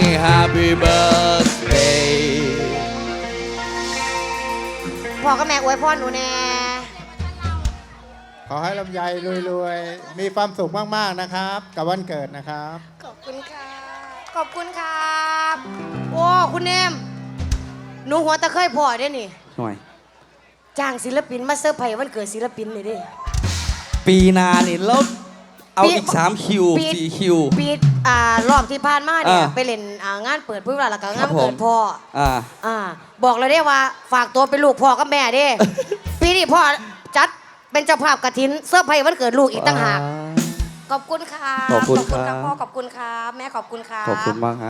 happy birthday พ่อกับแม่อวยพรหนูแน่ขอให้ลำไยรวยๆ มีความสุขมากๆนะครับ กับวันเกิดนะครับขอบคุณค่ะขอบคุณครับโอ้คุณเนมหนูหัวตะเคยพ่อได้นี่หน่อยจ้างศิลปินมาเซอร์ไพรส์วันเกิดศิลปินเลยดิปีหนานี่แล้วเอาปีอีก3คิวปี 4คิวปีรอบที่ผ่านมาเนี่ยอ่าไปเล่นงานเปิดพื้นเวลาแล้วก็ครังานบเกิดผมพ่ออ่าบอกเลยได้ว่าฝากตัวเป็นลูกพ่อกับแม่เด้ ปีนี้พ่อจัดเป็นเจ้าภาพกฐินเซอร์ไพรส์วันเกิดลูกอีกต่างหากขอบคุณค่ะขอบคุณครับพ่อขอบคุณครับแม่ขอบคุณครับขอบคุณมากฮะ